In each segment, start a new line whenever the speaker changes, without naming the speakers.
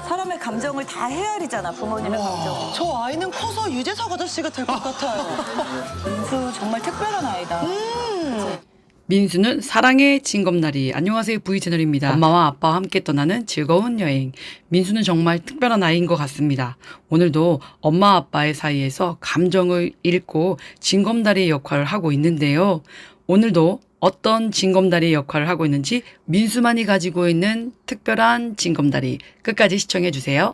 사람의 감정을 다 헤아리잖아, 부모님의 감정.
저 아이는 커서 유재석 아저씨가 될 것 같아요.
민수 정말 특별한 아이다.
민수는 사랑의 징검다리. 안녕하세요, V채널입니다. 엄마와 아빠와 함께 떠나는 즐거운 여행. 민수는 정말 특별한 아이인 것 같습니다. 오늘도 엄마 아빠의 사이에서 감정을 읽고 징검다리의 역할을 하고 있는데요. 오늘도 어떤 징검다리의 역할을 하고 있는지 민수만이 가지고 있는 특별한 징검다리 끝까지 시청해 주세요.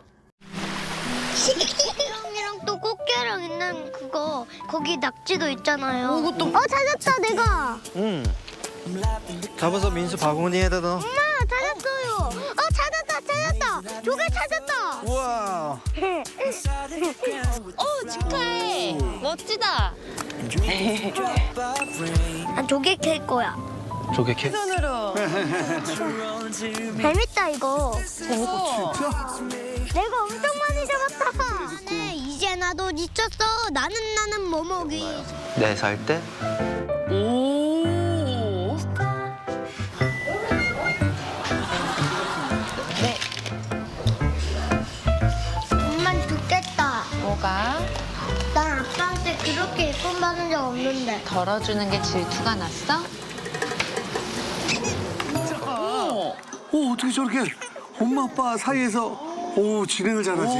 꽃게랑이랑 또 꽃게랑 있는 그거 거기 낙지도 있잖아요.
이것도
찾았다 내가.
잡아서 민수 바구니에다 넣어.
엄마 찾았어요. 찾았다. 조개 찾았다.
우와.
축하해. 멋지다.
조개 캘 거야.
조개캐.
손으로.
재밌다 이거.
재밌어.
내가 엄청 많이 잡았다. 네, 이제 나도 지쳤어. 나는 뭐 먹이.
4살 때?
오.
엄만 죽겠다.
뭐가?
난 아빠한테 그렇게 예쁨 받은 적 없는데.
덜어주는 게 질투가 났어?
오, 어떻게 저렇게 엄마 아빠 사이에서 오 진행을 잘하지?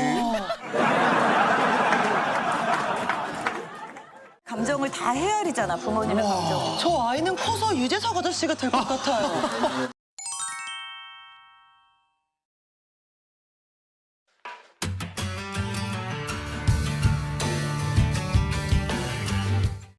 감정을 다 헤아리잖아, 부모님의 감정.
저 아이는 커서 유재석 아저씨가 될 것 같아요.